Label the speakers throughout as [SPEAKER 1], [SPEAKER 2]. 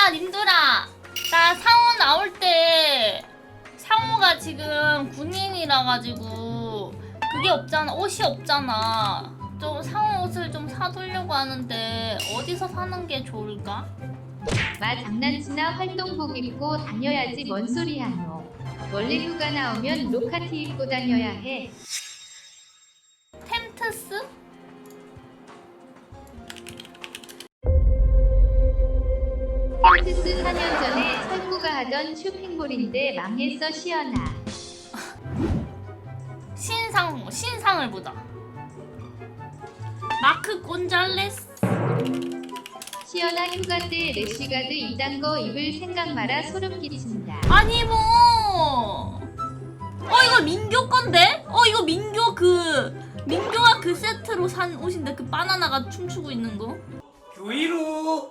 [SPEAKER 1] 님들아, 나 상호 나올 때 상호가 지금 군인이라 가지고 그게 없잖아. 옷이 없잖아. 좀 상호 옷을 좀 사두려고 하는데 어디서 사는 게 좋을까?
[SPEAKER 2] 마 장난치나 활동복 입고 다녀야지 뭔 소리 하노. 원래 휴가 나오면 로카티 입고 다녀야 해.
[SPEAKER 1] 템트스?
[SPEAKER 2] 템트스 4년 전에 철구가 하던 쇼핑몰인데 망했어 시연아.
[SPEAKER 1] 신상을 보자. 마크 곤잘레스.
[SPEAKER 2] 시연아 휴가 때 래쉬가드 이딴 거 입을 생각 마라. 소름 끼친다.
[SPEAKER 1] 아니 뭐. 이거 민교 건데? 이거 민교가 그 세트로 산 옷인데, 그 바나나가 춤추고 있는 거.
[SPEAKER 3] 교이루.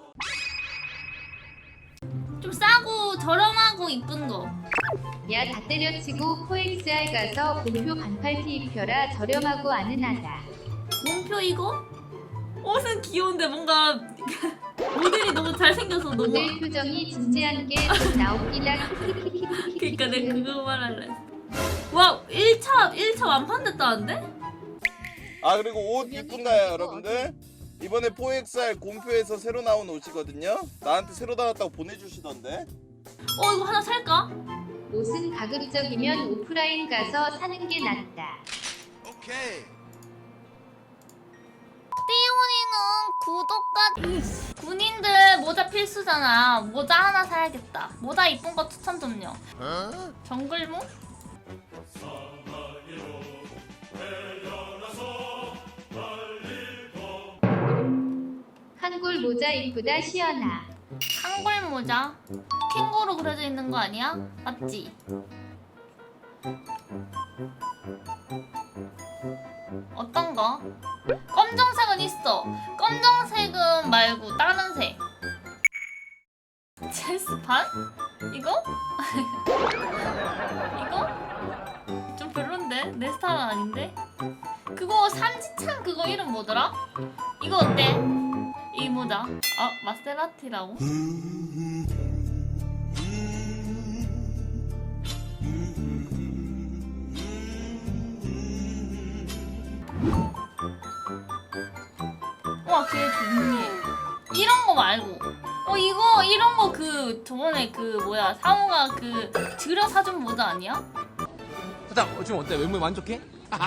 [SPEAKER 1] 좀 싸고 저렴하고 이쁜 거.
[SPEAKER 2] 야 다 때려치고 코엑스알 가서 본표 반팔티 입혀라. 저렴하고 아는하다.
[SPEAKER 1] 몸표 이거? 옷은 귀여운데 뭔가 모델이 너무 잘생겨서 너무.
[SPEAKER 2] 모델 표정이 진지한 게 좀 나옵니다.
[SPEAKER 1] 그니까 내가 그거 말할래. 와, 1차 완판됐다는데?
[SPEAKER 4] 아 그리고 옷 이쁜가요 여러분들? 이번에 4XR 곰표에서 새로 나온 옷이거든요. 나한테 새로 나왔다고 보내주시던데.
[SPEAKER 1] 이거 하나 살까?
[SPEAKER 2] 옷은 가급적이면 오프라인 가서 사는 게 낫다.
[SPEAKER 4] 오케이.
[SPEAKER 1] 띠용이는 구독과 군인들 모자 필수잖아. 모자 하나 사야겠다. 모자 이쁜 거 추천 좀요. 정글모?
[SPEAKER 2] 한골 모자 이쁘다 시연아.
[SPEAKER 1] 한골 모자. 캥거루 그려져 있는 거 아니야? 맞지? 어떤 거? 검정색은 있어. 검정색은 말고 다른 색. 체스판? 이거? 이거? 좀 별론데? 내 스타일은 아닌데? 그거 삼지창 그거 이름 뭐더라? 이거 어때? 이 모자. 마세라티라고? 와, 걔 좋네. 이런 거 말고. 이런 거 저번에 상호가 들여 사준 모자 아니야?
[SPEAKER 3] 사장 지금 어때? 외모에 만족해?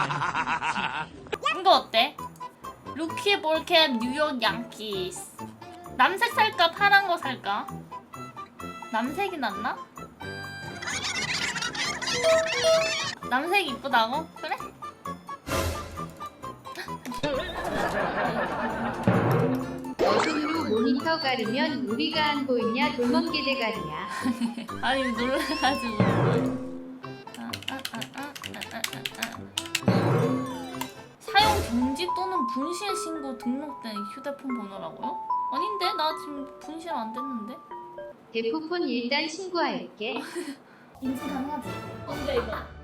[SPEAKER 1] 이거 어때? 루키 볼캡 뉴욕 양키스. 남색 살까 파란 거 살까? 남색이 낫나? 남색이 이쁘다고? 그래?
[SPEAKER 2] 어둠으로 모니터 가르면 우리가 안 보이냐. 돌멍게 대가리야.
[SPEAKER 1] 아니 놀라가지고. 사용 금지 또는 분실 신고 등록된 휴대폰 번호라고요? 아닌데? 나 지금 분실 안 됐는데?
[SPEAKER 2] 대포폰 일단 신고할게.
[SPEAKER 1] 인증 가능하지? 근데 이거